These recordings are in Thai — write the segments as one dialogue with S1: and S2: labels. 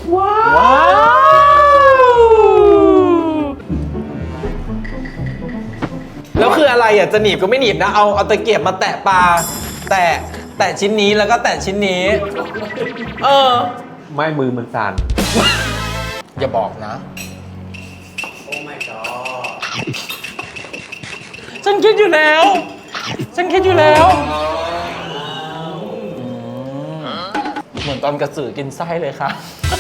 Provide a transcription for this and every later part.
S1: ว้าวแล้วคืออะไรอ่ะจะหนีบก็ไม่หนีบนะเอาตะเกียบมาแตะปลาแตะชิ้นนี้แล้วก็แตะชิ้นนี้
S2: ไม่มือมันสั่น
S1: อย่าบอกนะ
S3: โอ้ my god
S1: ฉันคิดอยู่แล้วเหมือนตอนกระสือกินไส้เลยค่ะ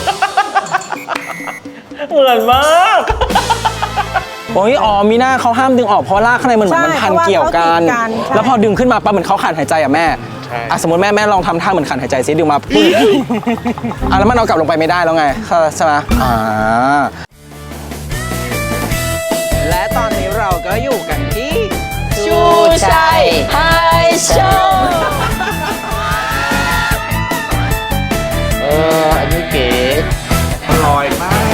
S1: เหมือนมากโอ้ยอ๋อมีหน้าเขาห้ามดึงออกเพราะรากข้างในมันเหมือนมันพันเกี่ยวกันแล้วพอดึงขึ้นมาปั๊บเหมือนเขาขาดหายใจอ่ะแม่สมมติแม่ลองทำท่าเหมือนขาดหายใจซิดึงมาปุ๊บแล้วมันเอากลับลงไปไม่ได้แล้วไงใช่ไหมและตอนนี้เราก็อยู่กันที่ชูชัยไฮโชว์
S2: อันนี้เก๋อร่อยมาก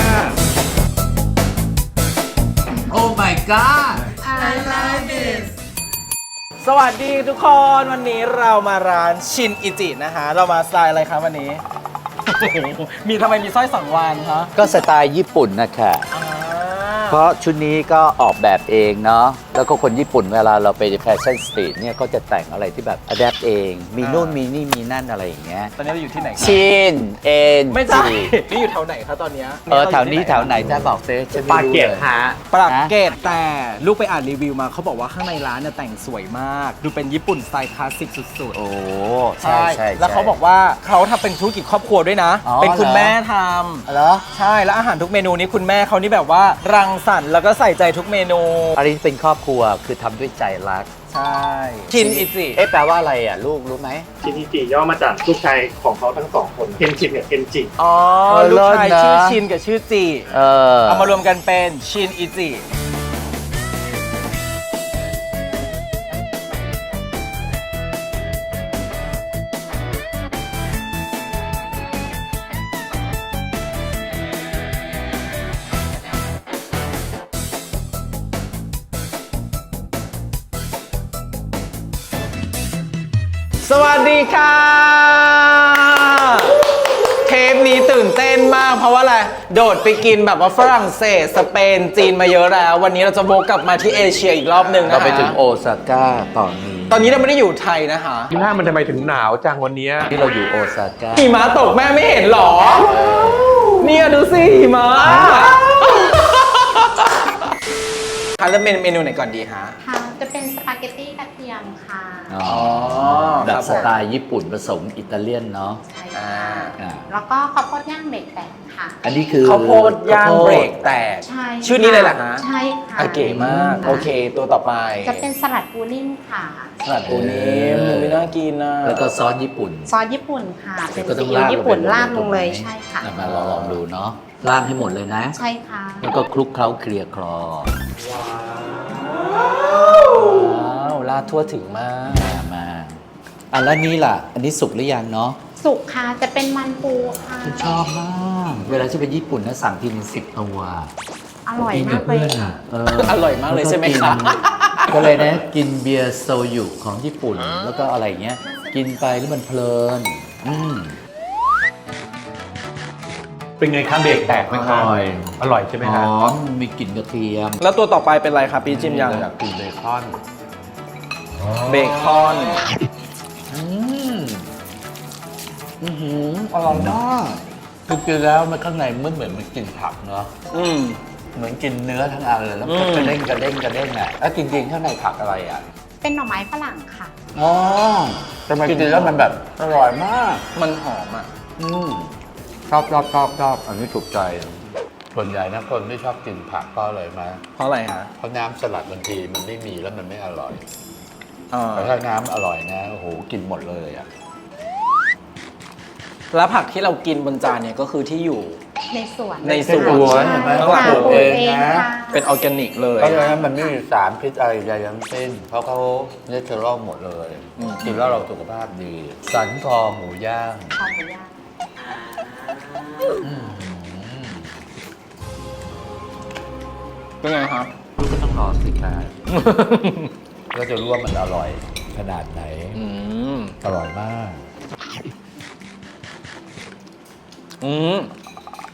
S3: โอ้ my god I love this
S1: สวัสดีทุกคนวันนี้เรามาร้านชินอิจินะคะเรามาสไตล์อะไรครับวันนี้ ทำไมมีสร้อยสังวานคะ
S4: ก็สไตล์ญี่ปุ่นนะคะเพราะชุดนี้ก็ออกแบบเองเนาะแล้วก็คนญี่ปุ่นเวลาเราไปแฟชั่นสตรีทเนี่ยก็จะแต่งอะไรที่แบบอัดแอปเองมีนู่นมีนี่มีนั่นอะไรอย่างเงี้ย
S1: ตอนนี้เราอยู่ที่ไหนครับ
S4: ชินเอ็น
S1: ไม่ใช่นี่อยู่แถวไหนคะตอนเนี้ย
S4: แถวนี้แถวไหนจะบอกเซฉัน
S2: ปา
S4: ไม่รู้
S2: เกียร
S4: เลย
S2: ฮะ
S1: ปรับเกรดแต่ลูกไปอ่านรีวิวมาเขาบอกว่าข้างในร้านเนี่ยแต่งสวยมาก ดูเป็นญี่ปุ่นสไตล์คลาสสิกสุด
S4: โอ้
S1: ๆ
S4: ใช่ใช่
S1: แล้วเขาบอกว่าเขาทำเป็นธุรกิจครอบครัวด้วยนะ
S4: อ๋อ
S1: เป็นคุณ
S4: เหรอ
S1: แม่ท
S4: เหรอ
S1: ำใช่แล้วอาหารทุกเมนูนี้คุณแม่เขานี่แบบว่ารังสรรค์แล้วก็ใส่ใจทุกเมนู
S4: อันนี้เป็นครอบครัวคือทำด้วยใจรัก
S1: ใช่ชินอิจิ
S4: แปลว่าอะไรอ่ะลูกรู้ไหม
S5: ชินอิจิย่อมาจากลูกชายของเขาทั้งสองคนเคนชินกับเคนจิ
S1: อ๋อ ลูกชายชื่อชินกับชื่อจิ
S4: เอา
S1: มารวมกันเป็นชินอิจิสวัสดีค่ะ เทปนี้ตื่นเต้นมากเพราะว่าอะไร โดดไปกินแบบว่าฝรั่งเศสสเปนจีนมาเยอะแล้ว วันนี้เราจะโบกกลับมาที่เอเชียอีกรอบหนึ่งนะ
S4: เรา
S1: คะ
S4: ไปถึงโอซาก้าตอนนี้
S1: ตอนนี้เราไม่ได้อยู่ไทยนะคะ
S2: ที่หน้ามันทำไมถึงหนาวจังวันเนี้ย
S4: ที่เราอยู่โอซาก้า
S1: หิมะตกแม่ไม่เห็นหรอ เนี่ยดูสิหิมะคะเริ่มเมนูไหนก่อนดีฮะ
S6: ค่ะจะเป็นสปาเกตตี้กระเทียมค่ะ
S4: อ๋อแบบสไตล์ญี่ปุ่นผสมอิตาเลียนเนาะ
S6: ใช่
S1: อ่า
S6: ค่ะแล้วก็ข้าวโพดย่างเบรกแตกค่ะ
S4: อันนี้คือ
S1: ข้าวโพดย่างเบรกแตก
S6: ใช่
S1: ชื่อนี้เลยเหรอฮะ
S6: ใช่ค่ะ
S1: เก๋มาก โอเค ตัวต่อไป
S6: จะเป็นสลัดปูนิ่มค่ะ
S1: สลัดปูนิ่มไม่น่ากินนะ
S4: แล้วก็ซอสญี่ปุ่น
S6: ซอสญี่ปุ่นค่ะ เป็น
S4: ก็ต้
S6: ซี
S4: อง
S6: อิ๊วญี่ปุ่น
S4: ไป
S6: ราดลงเลย
S4: ถูกไหม
S6: ใช่ค่ะ
S4: มาลองดูเนาะราดให้หมดเลยนะ
S6: ใช่ค่ะ
S4: แล้วก็คลุกเคล้าเคลียร์คลอ
S1: ว้าวราดทั่วถึงมาก
S4: มาอันแล้วนี้ล่ะ อันนี้สุกหรือยังเนาะ
S6: สุกค่ะจะเป็นมันปูค่ะ
S4: ฉันชอบมาก เวลาที่ไปญี่ปุ่นนะสั่งทีนึง10 ตัว
S6: อร่อย
S4: กิน
S6: มา
S4: กับ
S6: กเล
S4: เพื่
S6: ย
S4: อนอ่ะ
S1: อร่อยมากเลยใช่ไหมคะ
S4: ก็เลยนะ กินเบียร์โซยุของญี่ปุ่น แล้วก็อะไรเงี้ย กินไปแล้วมันเพลิน
S2: เป็นไงครับเบรกแตกไหมครับ
S4: อร่อย
S2: อร่อยใช่ไหม
S4: ห
S2: ฮะ
S4: อมมีกลิ่นกระเทียม
S1: แล้วตัวต่อไปเป็นอะไรครับพี่จิมยัง
S2: อยากกินเบคอน
S1: เบคอน
S4: อร่อยมากคือกินแล้วมันข้างในมันเหมือนมันกินผักเนาะ
S1: อืม
S4: เหมือนกินเนื้อทั้งอันเลยแล้วก็
S1: อืม
S4: กระเด้งกระเด้งกระเด้งอ่ะแล้วจริงๆข้างในผักอะไรอ่ะ
S6: เป็นหน่อไม้ฝรั่งค่ะ
S4: อ๋อแต่มันกินแล้วมันแบบอร่อยมาก
S1: มันหอมอ่ะ
S4: ชอบอันนี้ถูกใจ ส่วนใหญ่นะคนที่ชอบกินผักก็เลยมา
S1: เพราะอะไรฮะ
S4: เพราะน้ำสลัดบางทีมันไม่มีแล้วมันไม่อร่อย
S1: อ่า
S4: แต่ถ้าน้ำอร่อยนะโอ้โหกินหมดเลยอ่ะ
S1: แล้วผักที่เรากินบนจานเนี่ยก็คือที่อยู่
S6: ในสวน
S1: ในส
S4: สวนเห็นไหม
S1: ข้างหลัง
S4: ปลูกเองนะ
S6: ค่ะ
S1: เป็นออร์แกนิกเลย
S4: เพราะฉะนั้นมันไม่มีสารพิษอะไรใดทั้งสิ้นเพราะเขาเนเชอรัลหมดเลยกินแล้วเราสุขภาพดี สันคอหมูย่าง
S6: คอหมูย่าง
S1: เป็นไงครับ
S4: ลูกก็ต้องรอสิครับ ก็จะรู้ว่ามันอร่อยขนาดไหน
S1: อืม
S4: อร่อยมาก
S1: อืม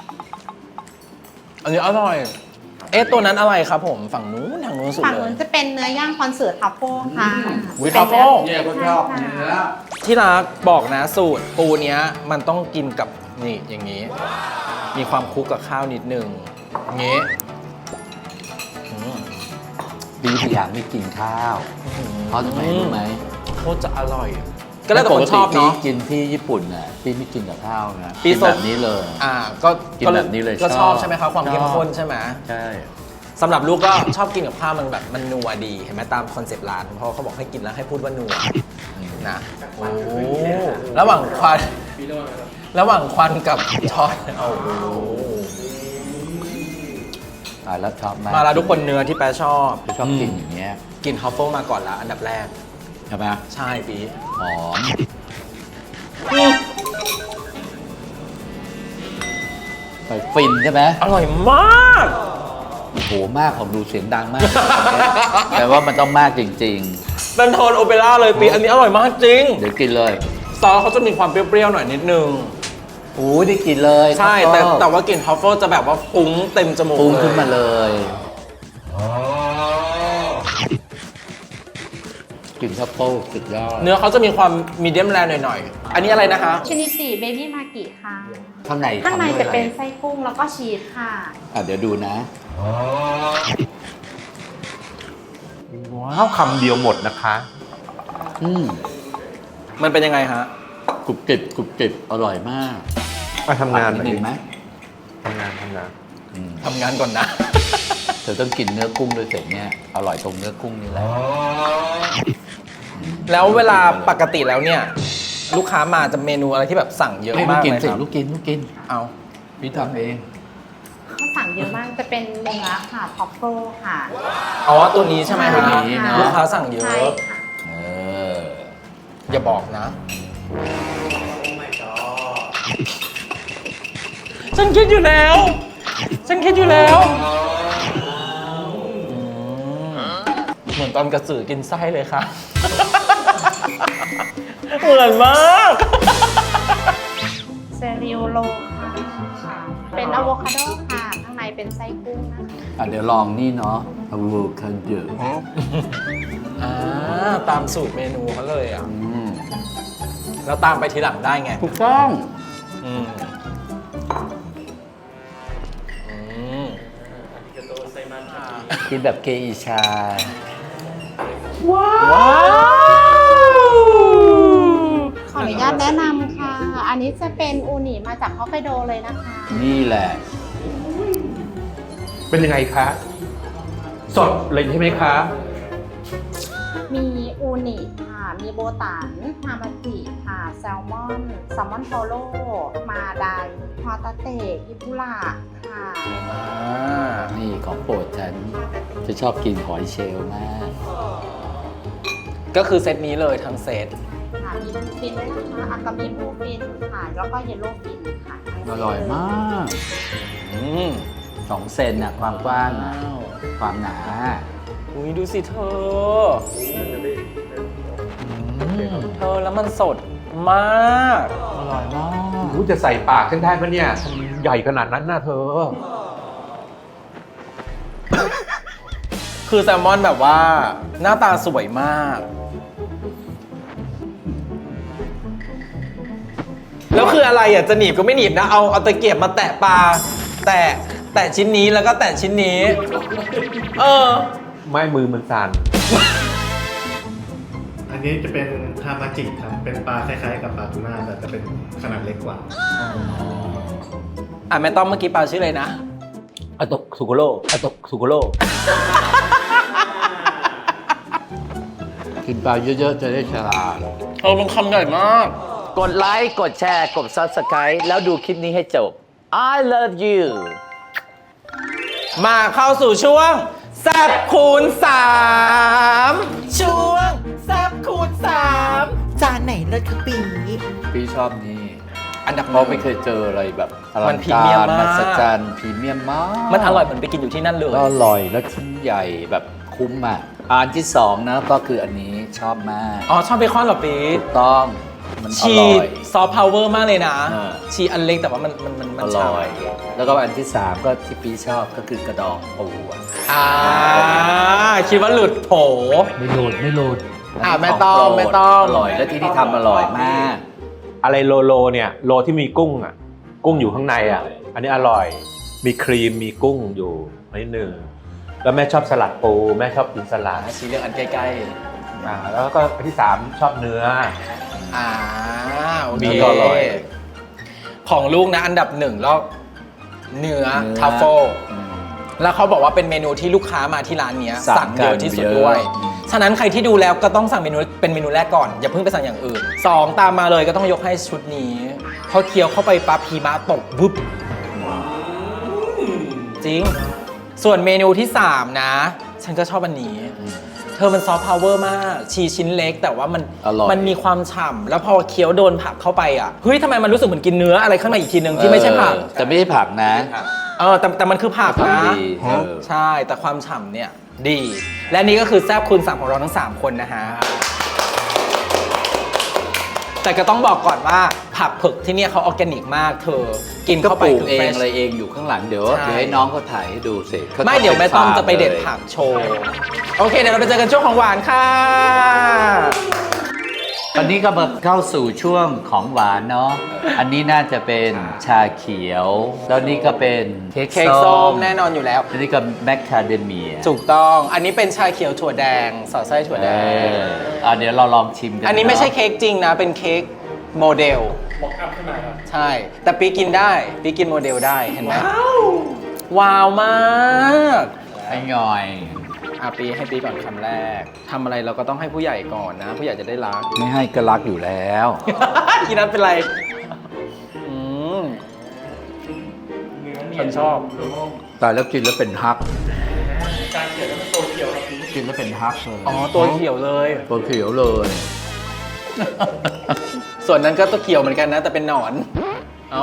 S1: อันนี้อร่อย เอ๊ะตัวนั้นอะไรครับผมฝั่งนู้นทางนู้นสุด
S6: ฝั่ง
S1: เล
S6: นู้
S1: ย
S6: นจะเป็นเนื้อย่างคอนเสิร์ตทัฟเฟิลค่ะ
S1: อุ๊ยทัฟเฟิล
S3: เนี่ยก็ชอบเนื้อ
S1: ที่รักบอกนะสูตรปูเนี้ยมันต้องกินกับนี่อย่างนี้ มีความคลุกกับข้าวนิดนึงอย่างนี้อืม
S4: ดีที่อยากไม่กินข้าว เพราะทำไมรู้ไหม
S1: โคตรจะอร่อย ก็แล้วแต่คนชอบเนาะ
S4: ปกติพี่กินที่ญี่ปุ่นน่ะพี่ไม่กินกับข้าวนะ
S1: พี่
S4: กิน
S1: สด
S4: แบบนี้เลย
S1: ก็
S4: กินแบบนี้เลย
S1: ก็ช
S4: ช
S1: อ
S4: อ
S1: บบ ใช่ไหมครับความเข้มข้นใช่ไหม
S4: ใช่
S1: สำหรับลูกก็ชอบกินกับข้าวมันแบบมันนัวดีเห็นไหมตามคอนเซปต์ร้านเพราะเขาบอกให้กินแล้วให้พูดว่านัวนะโอ้ระหว่างควันกับช้อนโอ้โห
S4: ตายแล้วชอบมาก
S1: มาแล้วทุกคนเนื้อที่แปะชอบ
S4: ชอบกินอย่างเงี้ย
S1: กินทัฟเฟิลมาก่อนละอันดับแรก
S4: ใช่ไหม
S1: ใช่ปี
S4: หอมไปฟินใช่ไหม
S1: อร่อยมาก
S4: โหมากผมดูเสียงดังมาก แต่ว่ามันต้องมากจริง
S1: เป็นโทนโอเปร่าเลยปีอันนี้อร่อยมากจริง
S4: ๆ เดี๋ยวกินเลย
S1: ซอสเขาจะมีความเปรี้ยวๆหน่อยนิดนึง
S4: โอ้ยได้กินเลย
S1: ใช่
S4: ครับ
S1: แต่ว่ากลิ่นทัฟเฟิลจะแบบว่าฟุ้งเต็มจมูก
S4: ปรุง
S1: เลย
S4: ขึ้นมาเลยกลิ่นทัฟเฟิลสุดยอด
S1: เนื้อเขาจะมีความมีเดียมแรร์หน่อยๆ อันนี้อะไรนะคะ
S6: ชินิจิเบบี้มากิค่ะ
S4: ข้างใน
S6: ข้างใน
S4: ทำด้วย
S6: จะ
S4: อะไร
S6: เป็นไส้กุ้งแล้วก็ชีสค่ะ
S4: เดี๋ยวดูนะ
S2: ว้าวคำเดียวหมดนะคะ
S4: อืม
S1: มันเป็นยังไงฮะ
S4: กรุบกริบกรุบกริบอร่อยมาก
S2: มาทำงาน
S4: นิดนึงไหม
S2: ทำงาน
S4: อืม
S1: ทำงานก่อนนะ
S4: เธอต้องกินเนื้อกุ้งด้วยเสร็จเนี่ย อร่อยตรงเนื้อกุ้งนี่แหละ
S1: แล้วเวลาปกติแล้วเนี่ย ลูกค้ามาจะเมนูอะไรที่แบบสั่งเยอะ
S4: ให้ลู
S1: มาก ก
S4: กิน
S1: เลย
S4: สิ
S1: ครับ
S4: ลูกกินลูกกิน
S1: เอา
S4: พี่ทำเอง
S6: เขาสั่งเยอะมากจะเป็นเนื้อค่ะทัฟเฟิลค่ะ
S1: อ๋อตัวนี้ใช่ไหมฮะ
S4: ตัวนี้เนอะ
S1: ลูกค้าสั่งเยอะ
S6: ใช่ค่ะ
S4: เออ
S1: อย่าบอกนะ ฉันคิดอยู่แล้ว ฉันคิดอยู่แล้วเหมือนตอนกระสือกินไส้เลยค่ะ เหมือนมาก
S6: เซริโอโลค่ะ เป็นอะโวคาโดค่ะ ข้างในเป็นไส้กุ้งนะคะ
S4: เดี๋ยวลองนี่เนาะอะโวคาโด
S1: ตามสูตรเมนูเขาเลยอ่ะ
S4: อืม
S1: แล้วตามไปทีหลังได้ไง
S4: ถูกต้อง
S1: อืมอืม
S4: กินแบบเกอิชา
S1: ว้าว
S6: ขออนุญาตแนะนำค่ะ อันนี้จะเป็นอูนิมาจากฮอกไกโดเลยนะคะ
S4: นี่แหละ
S2: เป็นยังไงคะ สดเลยใช่ไหมคะ
S6: มีอูนิค่ะ มีโบตันฮามาจิค่ะ แซลมอนโทโร่ มาไดฮอตาเตะอิบุระค่ะ
S4: นี่ของโปรดฉัน จะชอบกินหอยเชลล์มาก
S1: ก็คือเซตนี้เลยทั้งเซต
S6: ค่ะ มีบลูฟินด้วยนะคะอากามิบลูฟินค่ะ แล้วก็เยลโล่ฟินค่ะ
S4: อร่อยมาก
S1: อืม
S4: 2 เซนน่ะความกว้างน่ะความหนา
S1: อุ้ยดูสิเธอ เธอแล้วมันสดมาก
S4: อร่อยมาก
S2: รู้จะใส่ปากฉันได้ปะเนี่ยใหญ่ขนาดนั้นนะเธอ
S1: คือแซลมอนแบบว่าหน้าตาสวยมาก แล้วคืออะไรอ่ะ จะหนีบก็ไม่หนีบนะ เอาตะเกียบมาแตะปลา แตะชิ้นนี้แล้วก็แตะชิ้นนี้ เออ
S2: ไม่มือมันสั่น
S5: อันนี้จะเป็นฮามาจิครับ เป็นปลาคล้ายๆกับปลาทูน่าแต่จะเป็นขนาดเล็กกว่า
S1: แม่ต้อมเมื่อกี้ปลาชื่ออะไรนะ
S4: อะโตสุโกโรอะโตสุโกโรกินปลาเยอะๆ จะได้ฉลาด
S1: เออมันคำใหญ่มาก
S4: กดไลค์ กดแชร์ กด Subscribe แล้วดูคลิปนี้ให้จบ I love you
S1: มาเข้าสู่ช่วงแซบคูณ3ช่วงแซบคูณ3
S7: จานไหนเลิศคะปี
S4: พี่ชอบนี่
S1: อันดับ
S4: เพราะไม่เคยเจออะไรแบบอลั
S1: มั
S4: ง
S1: นพรี
S4: กา
S1: เมียม
S4: ร
S1: มาก
S4: มหัศจรรย์พรีเมียมมาก
S1: มันอร่อยเหมือนไปกินอยู่ที่นั่นเลย
S4: ก็อร่อยแล้วชิ้นใหญ่แบบคุ้มอ่ะอันที่ 2 นะก็คืออันนี้ชอบมาก
S1: อ๋อ ชอบเบคอนเหรอปี
S4: ถูกต้องมันอ
S1: ชี
S4: ร่อย
S1: ซอฟต์พาวเวอร์มากเลยนะ
S4: อ่า
S1: ชีอันเล็กแต่ว่ามัน
S4: อ
S1: ฉ่
S4: ร่อย แล้วก็อันที่ 3 ก็ที่ปีชอบก็คือกระดองปูอะ
S1: คิดว่าหลุดโผ
S4: ไม่หลุดไม่หลุด
S1: ไม่ต้องไม่ต้อง
S4: อร่อยแล้วที่นี่ทำอร่อยมาก
S2: อะไรโลโลเนี่ยโลที่มีกุ้งอ่ะกุ้งอยู่ข้างในอ่ะอันนี้อร่อยมีครีมมีกุ้งอยู่นิดนึงแล้วแม่ชอบสลัดปูแม่ชอบกินสลัด
S1: ชีเลือกอันใกล้
S2: แล้วก็อันที่ 3 ชอบเนื้อ
S1: ๆโอ
S2: มี
S1: เค
S2: ก็อร่อย
S1: ของลูกนะอันดับ1แล้วเนื้อทัฟเฟิลแล้วเขาบอกว่าเป็นเมนูที่ลูกค้ามาที่ร้านเนี้ยสั่งเยอะที่สุดด้วย ฉะนั้นใครที่ดูแล้วก็ต้องสั่งเมนูเป็นเมนูแรกก่อน อย่าเพิ่งไปสั่งอย่างอื่น 2 ตามมาเลยก็ต้องยกให้ชุดนี้พอเคี้ยวเข้าไปปั๊บพีมาตกบึ๊บจริง ส่วนเมนูที่ 3 นะ ฉันก็ชอบอันนี้ เธอมันซอฟต์พาวเวอร์มาก ชีชิ้นเล็กแต่ว่ามัน
S4: อร่อย
S1: มันมีความฉ่ำแล้วพอเคี้ยวโดนผักเข้าไปอ่ะเฮ้ยทำไมมันรู้สึกเหมือนกินเนื้ออะไรข้างในอีกทีนึงที่ไม่ใช่ผัก
S4: แต่ไม่ใช่ผักนะ
S1: แต่มันคือผัก
S4: ผัก
S1: นะ
S4: ดี
S1: ใช่แต่ความฉ่ำเนี่ยดี และนี่ก็คือแซ่บคูณ3ของเราทั้ง 3 คนนะฮะ แต่ก็ต้องบอกก่อนว่าผักเผือกที่เนี่ยเขาออร์แกนิกมากเธอ กิน
S4: ก็
S1: เข้า
S4: ป
S1: ไป
S4: ลูก
S1: คือ
S4: เอง
S1: fresh
S4: อะไรเองอยู่ข้างหลังเดี๋ยว
S1: ใช่
S4: ให้น้องเขาถ่ายให้ดูสิขา
S1: ไม่เดี๋ยวแม่ต้อมจะไปเด็ด
S4: ลย
S1: ผักโชว์ โอเค เดี๋ยวเราไปเจอกันช่วงของหวานค่ะ
S4: ตอนนี้ก็มาเข้าสู่ช่วงของหวานเนาะ อันนี้น่าจะเป็นชาเขียว แล้วนี่ก็เป็นเค้ก
S1: เค้กส้มแน่นอนอยู่แล้ว
S4: อันนี้ก็แมคคาเดเมีย
S1: ถูกต้อง อันนี้เป็นชาเขียวถั่วแดงสอดไส้ถั่วแดง
S4: เดี๋ยวเราลองชิมกัน
S1: อันนี้ไม่ใช่
S4: เาะ
S1: เค้กจริงนะ เป็นเค้กโมเดล
S5: บอกอัพขึ้นมาครับ
S1: ใช่ แต่ปีกินได้ ปีกินโมเดลได้ เห็นไหม ว้าวมาก
S4: ไอ้หน่อย
S1: ปีให้ปีก่อนคำแรก ทำอะไรเราก็ต้องให้ผู้ใหญ่ก่อนนะ ผู้ใหญ่จะได้รัก
S4: ไม่ให้ก็รักอยู่แล้ว
S1: อีนั้นเป็นไรฉันชอบ
S4: แต่แล้วกินแล้วเป็นฮัก
S5: การเขียนแล้วมันตัวเขียวครับพี่
S4: กินแล้วเป็นฮักเลย
S1: อ๋อ ตัวเขียวเลย
S4: ตัวเขียวเลย
S1: ส่วนนั้นก็ตัวเขียวเหมือนกันนะ แต่เป็นหนอนอ๋อ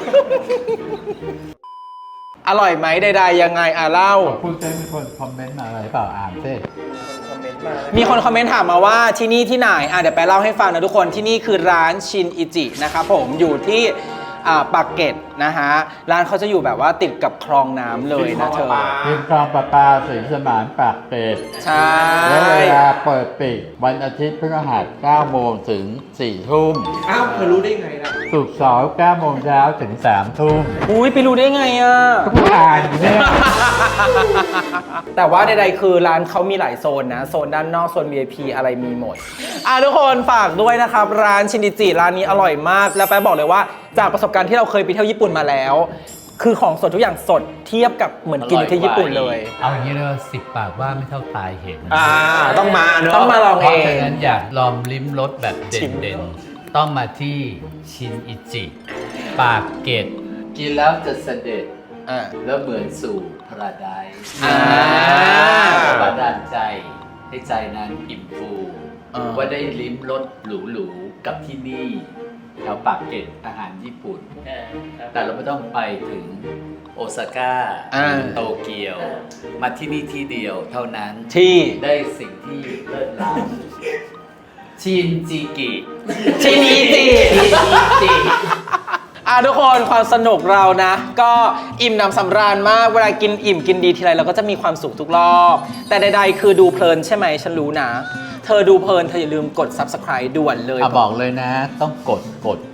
S1: อร่อยไหมใดๆยังไงเล่า
S7: พูดเต้มีคนคอมเมนต์มาอะไรเปล่าอ่านสิ
S1: มีคนคอมเมนต์ถามมาว่าที่นี่ที่ไหนเดี๋ยวไปเล่าให้ฟังนะทุกคนที่นี่คือร้านชินอิจินะครับผมอยู่ที่ปากเกร็ดนะฮะร้านเขาจะอยู่แบบว่าติดกับคลองน้ำเลยนะเธอ
S7: ริมคลองประปาศรีสมานปากเกร็ด
S1: ใช่
S7: และเวลาเปิดปิดวันอาทิตย์พฤหัส9โมงถึง4ทุ่ม
S2: อ้าวเธอรู้ได้ไงล่ะ
S7: ศุกร์เสาร์9โมงเช้าถึง3ทุ่ม
S1: อุ้ยไปรู้ได้ไงอ่ะ
S7: ก็ผู้อ่านอยู่เนี่ย
S1: แต่ว่าใดๆคือร้านเขามีหลายโซนนะ โซนด้านนอก โซน VIP อะไรมีหมด ทุกคนฝากด้วยนะครับ ร้านชินอิจิร้านนี้อร่อยมาก แล้วแป๊บบอกเลยว่าจากประสบการณ์ที่เราเคยไปเที่ยวญี่ปุ่นมาแล้ว คือของสดทุกอย่างสดเทียบกับเหมือนกินอยู่ที่ญี่ปุ่นเลย
S3: เอาอย่างนี้เลยว่า10 ปากว่าไม่เท่าตายเห็น
S2: ต้องมาเนอะ
S1: ต้องมาลอง
S3: เพ
S1: เอ
S3: ราะฉะ
S1: ง
S3: นั้นอยากลองลิ้มรสแบบเ
S1: ชิม
S3: ด่นๆ ต้องมาที่ชินอิจิ ปากเกร็ด
S4: กินแล้วจะเสด็จ
S1: อ่า
S4: แล้วเหมือนสู่พระไดซ์
S1: อ่า
S4: บันดาลใจให้ใจนั้นอิ่มฟู
S1: อ่า
S4: ว่าได้ลิ้มรสหรูๆกับที่นี่แถวปากเกร็ดอาหารญี่ปุ่น แต่เราไม่ต้องไปถึงโอซาก้า
S1: อ่า
S4: โตเกียว มาที่นี่ที่เดียวเท่านั้น
S1: ที่
S4: ได้สิ่งที่เลิศล้ำชินจิกิ
S1: ชินอิจิ
S4: จิ
S1: ทุกคนความสนุกเรานะ ก็อิ่มหนำสำราญมากเวลากินอิ่มกินดีทีไรเราก็จะมีความสุขทุกรอบ แต่ใดๆคือดูเพลินใช่ไหมฉันรู้นะ เธอดูเพลินเธออย่าลืมกด subscribe ด่วนเลย
S4: บอกเลยนะ ต้องกด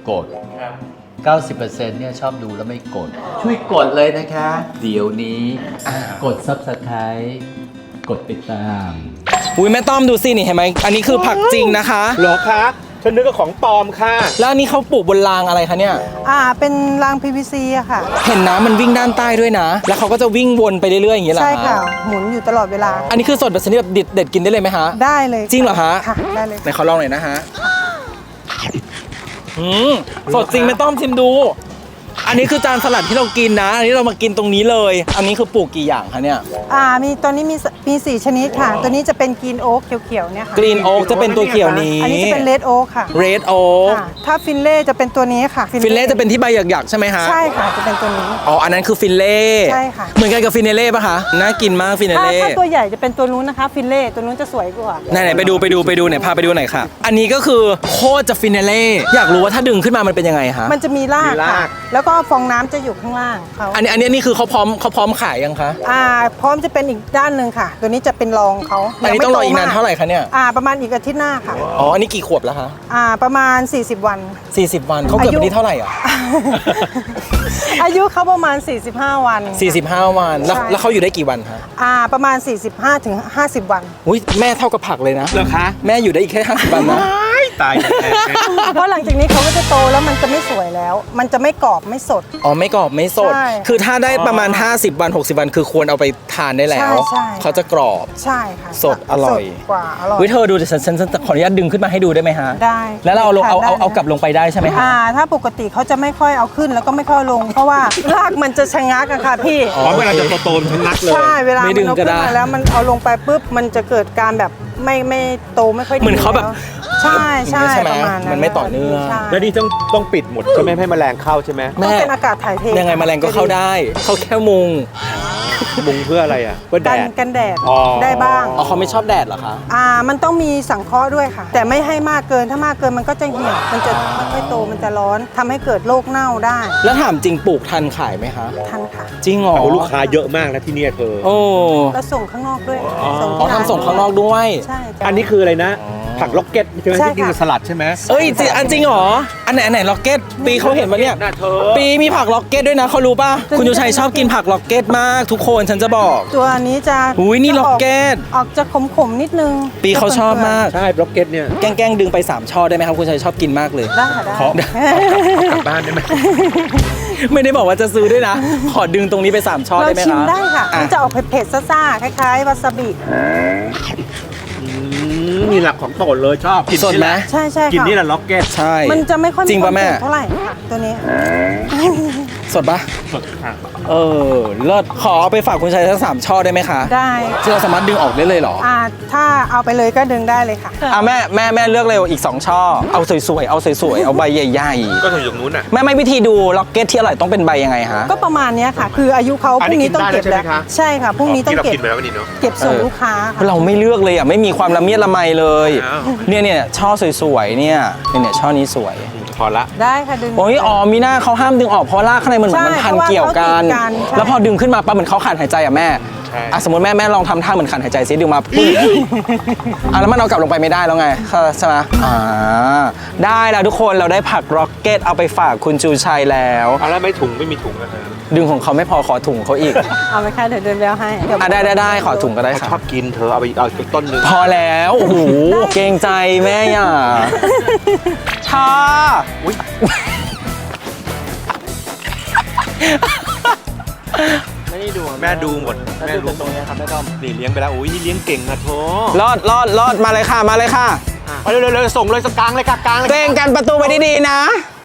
S4: 90% เนี่ยชอบดูแล้วไม่กด ช่วยกดเลยนะคะ เดี๋ยวนี้ กด Subscribe กดติดตาม
S1: อุ้ยแม่ต้อมดูสินี่เห็นไหมอันนี้คือผักจริงนะคะ
S2: เหรอคะฉันนึกว่าของปลอมค่ะ
S1: แล้วอันนี้เขาปลูกบนรางอะไรคะเนี่ย
S8: เป็นราง PVC อะค่ะ
S1: เห็นน้ำมันวิ่งด้านใต้ด้วยนะ แล้วเขาก็จะวิ่งวนไปเรื่อยๆอย่างนี้เหรอ
S8: ใช่
S1: ฮ
S8: ค่ะ หมุนอยู่ตลอดเวลา
S1: อันนี้คือสดแบบชนิดแบบเด็ดกินได้เลยไหมฮะ
S8: ได้เลย
S1: จริงเหรอฮะ
S8: ค่ะ ได้เลย
S1: ไหนขอลองหน่อยนะฮะสดจริงไม่ต้องชิมดู ออันนี้คือจานสลัดที่เรากินนะ อันนี้เรามากินตรงนี้เลย อันนี้คือปลูกกี่อย่างคะเนี่ย
S8: มีตัวนี้มี4ชนิดค่ะ ตัวนี้จะเป็นกรีนโอ๊กเขียวๆเนี่ยค่ะ
S1: กรีนโอ๊กจะเป็นตัวเขียวนี้
S8: อันนี้จะเป็นเลดโอ๊กค่ะ
S1: เรดโอ๊ก
S8: ค่ะ ถ้าฟินเล่จะเป็นตัวนี้ค่ะ
S1: ฟินเล่จะเป็นที่ใบหยักๆใช่ไหมฮะ
S8: ใช่ค่ะจะเป็นตัวนี้
S1: อ๋อ อันนั้นคือฟินเล่
S8: ใช่ค่ะ
S1: เหมือนกันกับฟินเล่ป่ะคะ น่ากินมากฟิน
S8: ถ้า
S1: เล่
S8: ตัวใหญ่จะเป็นตัวนู้นนะคะ ฟินเล่ตัวนู้นจะสวยกว่า
S1: ไหนๆไปดูไหนพาไปดูหน่อยค่ะ อันนี้ก็คือโคตรจะฟินเล่ อยากรู้ว่าถ้าดึงขึ้นมามันเป็นยังไงฮะ
S8: มันจะมีรากค่ะ แล้วก็ฟองน้ำจะอยู่ข้างล่างเขา
S1: อันนี้คือเขาพร้อมขายยังคะ
S8: พร้อมจะเป็นอีกด้านหนึ่งค่ะ ตัวนี้จะเป็นรองเขา
S1: อันนี้ต้องรออีกนานเท่าไหร่คะเนี่ย
S8: ประมาณอีกอาทิตย์หน้าค่ะ
S1: อ๋อ อันนี้กี่ขวบแล้วคะ
S8: ประมาณ 40 วัน
S1: 40 วันเขาเกิดวันที่เท่าไหร่อ่ะ
S8: อายุเขาประมาณ 45 วัน
S1: 45 วัน
S8: ใช่
S1: แล้วเขาอยู่ได้กี่วันคะ
S8: ประมาณ 45 ถึง 50 วัน
S1: อุ้ยแม่เท่ากับผักเลยนะ
S2: เหรอคะ
S1: แม่อยู่ได้อีกแค่50 วันนะ
S2: ตายแน่
S8: เพราะหลังจากนี้เขาก็จะโตแล้วมันจะไม่สวยแล้ว มันจะไม่กรอบไม่สด
S1: อ๋อไม่กรอบไม่สด
S8: ใช่
S1: คือถ้าได้ประมาณ 50 วัน 60 วัน คือควรเอาไปทานได้แล้ว
S8: ใช่
S1: เขาจะกรอบ
S8: ใช่ค่ะ
S1: สดอร่อย
S8: สดกว่าอร่อย
S1: วิเธอดูเดี๋ยวฉันขออนุญาตดึงขึ้นมาให้ดูได้ไหมฮะ
S8: ได้
S1: แล้วเราเอาลง
S8: ทนได้
S1: เอากลับลงไปได้ใช่ไหมฮะ
S8: ถ้าปกติเขาจะไม่ค่อยเอาขึ้นแล้วก็ไม่ค่อยลง เพราะว่ารากมันจะชะงักอะค่ะพี่
S2: ๆอ๋อเวลาจะโตๆทั้งนักเลย
S8: ใช่เวลา
S1: ไม่
S8: มัน
S1: ดึง
S8: เอา
S1: ก็
S8: ขึ้น
S1: ได้
S8: มาแล้วมันเอาลงไปปุ๊บมันจะเกิดการแบบไม่โตไม่ค่อยดี
S1: เหมือนเขาแบบ
S8: แล้วใช่ใช่
S1: ใช่ไหม
S8: ประมาณนั้น
S1: มันไม่ต่อเนื่อง
S8: ใช่
S2: แล้วนี่ต้องปิดหมดใช่ไหมให้แมลงเข้าใช่ไหม
S8: ต้องเป็นอากาศถ่ายเท
S1: ยังไงแมลงก็เข้าได้ เขาแค่มุง
S2: มุงเพื่ออะไรอ่ะเพื่อแด
S8: กัน
S2: ด
S8: แดด
S2: อ๋อ
S8: ได้บ้าง
S1: อ๋อเขาไม่ชอบแดดเหรอคะ
S8: มันต้องมีสังเคราะห์ด้วยค่ะ แต่ไม่ให้มากเกินถ้ามากเกินมันก็จะเหี่ยวมันจะไม่ค่อยโตมันจะร้อนทำให้เกิดโรคเน่าได้
S1: แล้วถามจริงปลูกทันขายไหมคะ
S8: ทันค่ะ
S1: จริงเหรอ
S2: เอาลูกค้าเยอะมากนะที่เนี่ยเธอ
S1: โอ้
S8: แล้วส่งข้างนอกด้วย
S2: อ๋อ
S8: ที่ร้
S1: ทำส่งข้างนอกด้วย
S8: ใช่จ้ะ
S2: อันนี้คืออะไรนะ ผักล็อกเก็ตใช่ไหม
S8: ใช่
S2: ที่กินกับ
S8: ค่ะ
S2: สลัดใช่ไหม
S1: เอ้ยจริงเหรอ อันไหนล็อกเก็ต ปีเขาเห็นปะเนี่ย
S2: น่าเธอ
S1: ปีมีผักล็อกเก็ตด้วยนะเขารู้ป่ะ คุณชูชัยชอบกินผักล็อกเก็ตมากทุกคนฉันจะบอก
S8: ตัวนี้จะ
S1: อุ๊ยนี่ล็อกเก็ต
S8: ออกจะขมๆนิดนึง
S1: ปีเขาชอบมาก
S2: ใช่ล็อกเก็ตเนี่ย
S1: แกล้งดึงไป3ช่อได้ไหมครับคุณชัยชอบกินมากเลย
S8: ได้ค่ะได้
S2: ขอ กลับบ้านได้ไหม
S1: ไม่ได้บอกว่าจะซื้อด้วยนะ ขอดึงตรงนี้ไป3ช่อ
S8: เรา
S1: ได้ไหม
S8: ชิม
S1: คะ
S8: ได้ค่ะ
S1: อ่ะ
S8: มันจะออกเผ็ดๆซ่าๆคล้ายๆวาซาบิ
S2: มีหลักของโปรดเลยชอบกิน
S1: สดไหม
S8: ใช่ใช่
S2: กิน
S8: ค่ะ
S2: นี่แหละล็อกเก็ต
S1: ใช่
S8: มันจะไม่ค่อย
S1: จริงป่ะแม่
S8: ควาเผ็ดเท่าไหร่ค่ะตัวนี้
S1: สดปะ
S2: สดค่ะ
S1: เลิศขอเอาไปฝากคุณชัยทั้ง3ช่อได้ไหมคะ
S8: ได้
S1: ที่เราสามารถดึงออกได้เลยเหรอ
S8: ถ้าเอาไปเลยก็ดึงได้เลยค่ะ
S1: แม่เลือกเร็วอีก2ช่อ เอาสวยๆ เอาใบใหญ่
S2: ก็ถึงอย่างนู้นอ่ะ
S1: ๆ แม่ไม่วิธีดูล็อกเก็ตที่อร่อยต้องเป็นใบยังไงฮะ
S8: ก็ประมาณเนี้ยค่ะ คืออายุเขาพ
S2: อัน
S8: รุ่
S2: นี้
S8: งนี้ต้องเก็บ
S2: กินได้
S8: แล้ว
S2: แล้วใช่ไหมคะ
S8: ใช่ค่ะพรุ่งนี้ต้อง
S2: ที่เรา
S8: เก็บ
S2: กินไปแล้ววันนี้เนาะ
S8: เก็บส่งลูกค้าค่ะ
S1: เราไม่เลือกเลยอ่ะไม่มีความละเมียดละไมเลย
S2: อ้าว
S1: เนี่ยช่อสวยๆเนี่ยช่อนี้สวย
S2: พอละ
S8: ได้ค่ะดึง
S1: โอ้ยมีหน้าเขาห้ามดึงออกเพราะรากข้างในมันเหมือนมันพันเกี่ยวกัน
S8: ใช่เพราะว่าเขาติดกันใช่
S1: แล้วพอดึงขึ้นมาปั๊บเหมือนเขาขาดหายใจอ่ะแม่
S2: ใช่
S1: สมมติแม่ลองทำท่าเหมือนขาดหายใจซิดึงมาปุ๊บแล้วมันเอากลับลงไปไม่ได้แล้วไงใช่ไหมได้แล้วทุกคนเราได้ผักร็อกเก็ตเอาไปฝากคุณจูชัยแล้ว
S2: เอาแล้วไม่ถุงไม่มีถุงอะครับ
S1: ดึงของเขาไม่พอขอถุงเขาอีก
S8: เอาไปค่ะเดี๋ยวเดินแล้วให้เดี๋ยว
S1: ได้ขอถุงก็ได้
S2: เขา
S1: ค่ะ
S2: ชอบกินเธอเอาไปเอาอีกต้นหนึง
S1: พอแล้วโอ้โหเกรงใจแม่อย่าท่า ไม่ได้ดู
S2: แม่ดูหมด
S1: แม่ดูตรงนี้ครับแม่ต้อม
S2: นี่เลี้ยงไปแล้วอุ้ยนี่เลี้ยงเก่งนะโถ
S1: รอดมาเลยค่ะ
S2: เอาเร็วๆส่งเลยสกกลางเลยค่ะกลางเลย
S1: เตงกันประตูไปดีๆนะ